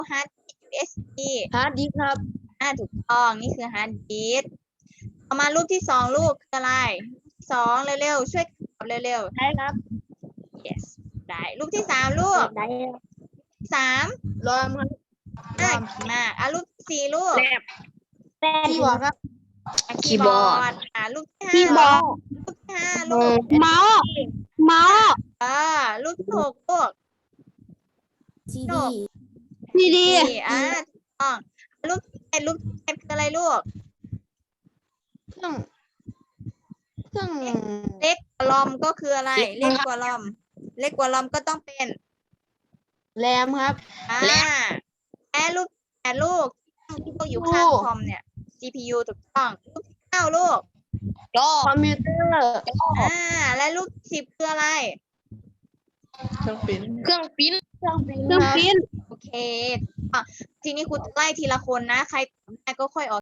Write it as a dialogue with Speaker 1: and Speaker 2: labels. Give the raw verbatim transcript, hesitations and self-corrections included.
Speaker 1: ฮาร์ด ยู เอส บี
Speaker 2: ฮาร์ดดิสก์ครับ
Speaker 1: อ่าถูกต้องนี่คือฮาร์ดดิสก์ต่อมารูปที่สองลูกคืออะไรสองเร็วๆช่วยตอบเร็ว
Speaker 2: ได้ครับ
Speaker 1: ๆ yes ได้รูปที่สามลูก
Speaker 2: ได้
Speaker 1: สาม
Speaker 2: รอมครับ
Speaker 1: อ่ามาอ่ะรูปที่สี่ลูก
Speaker 2: แลบแลบคีย์บอร์ดครับ
Speaker 1: อ่ะคีย์บอร์ดอ่ะรูปที่ห้า
Speaker 2: คีย์บอร์ด
Speaker 1: รูปที่ห้าลูก
Speaker 2: เมาส์เมาส์
Speaker 1: อ่ารูปที่หกลูก
Speaker 2: ซี
Speaker 1: จ
Speaker 2: ดี
Speaker 1: บ
Speaker 2: ซีดี
Speaker 1: สี่อ่าถูกต้องรูปที่เจ็ดรูปที่เจ็ดคืออะไรลูก
Speaker 2: เครื่องเครื่อง
Speaker 1: เล็กกว่าลอมก็คืออะไร เล็กกว่าลอม เล็กกว่าลอมก็ต้องเป็น
Speaker 2: แรมครับ
Speaker 1: อ่าแอร์ลูกแอร์ลูกที่พวกอยู่ข้างคอมเนี่ย ซี พี ยู ถูกต้องลูกที่เก้าลูก
Speaker 2: จอคอมพิวเตอร์
Speaker 1: อ่าและลูกที่สิบคืออะไร
Speaker 2: เครื่องปิ้นเครื่องปิ้นเครื่องปิ้น
Speaker 1: โอเคอ่ะทีนี้ครูจะไล่ทีละคนนะ ใครตอบได้ก็ค่อยออก